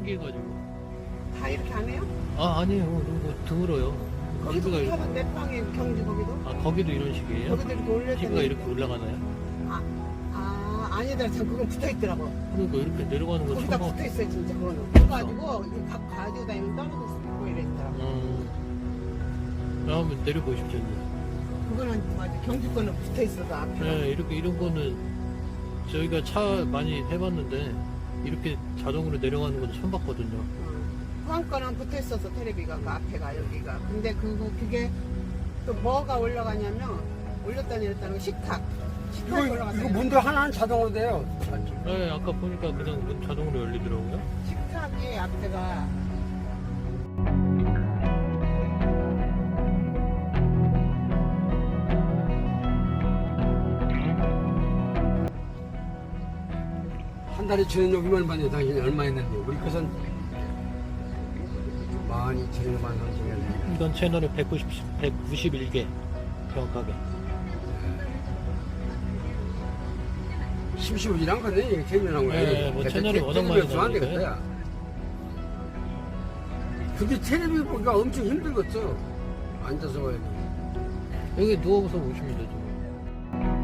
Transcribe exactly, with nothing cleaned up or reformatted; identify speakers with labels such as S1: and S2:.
S1: 신기해가지고.
S2: 다 이렇게 안 해요?
S1: 아 아니에요. 이거 드물어요.
S2: 거기도
S1: 티비가 이렇게-
S2: 하던데 빵에 경주 거기도?
S1: 아 거기도 이런 식이에요?
S2: 거기도 이렇게 올렸더니
S1: 티비가 이렇게 올라가나요?
S2: 아, 아 아니다 참 그건 붙어있더라고.
S1: 그러니까 이렇게 내려가는 거
S2: 거기다
S1: 처음 봐.
S2: 붙어있어요 진짜 그거는. 그래가지고 이거 가, 가지고 다니면 떨어질 수 있고 이랬더라고.
S1: 음. 한번 내려보십시오. 이제.
S2: 그거는 맞아 경주 거는 붙어있어서 앞에.
S1: 네, 이렇게 이런 거는 저희가 차 많이 해봤는데 이렇게 자동으로 내려가는 건 처음 봤거든요.
S2: 후한 거는 붙어있어서 테레비가 그 앞에가 여기가. 근데 그거 그게 또 뭐가 올라가냐면 올렸다 내렸다는 거 식탁. 식탁이
S3: 이거,
S2: 올라갔어요.
S3: 이거 문도 하나는 자동으로 돼요.
S1: 네, 아까 보니까 그냥 문 자동으로 열리더라고요.
S2: 식탁이 앞에가
S3: 한 달에 저녁이만 받는 당신이 얼마 했는데 우리 것은 만 이천만 원 정도.
S1: 이건 채널에 백구십, 백구십일 개 정확하게.
S3: 심심하지랑 거네 이게 재미난 거야.
S1: 네, 뭐 채널이 워낙 많이
S3: 안
S1: 나오니까요.
S3: 되겠다. 근데 텔레비 보기가 엄청 힘들겠어. 앉아서 봐야 돼.
S1: 여기 누워서 보시면 되죠.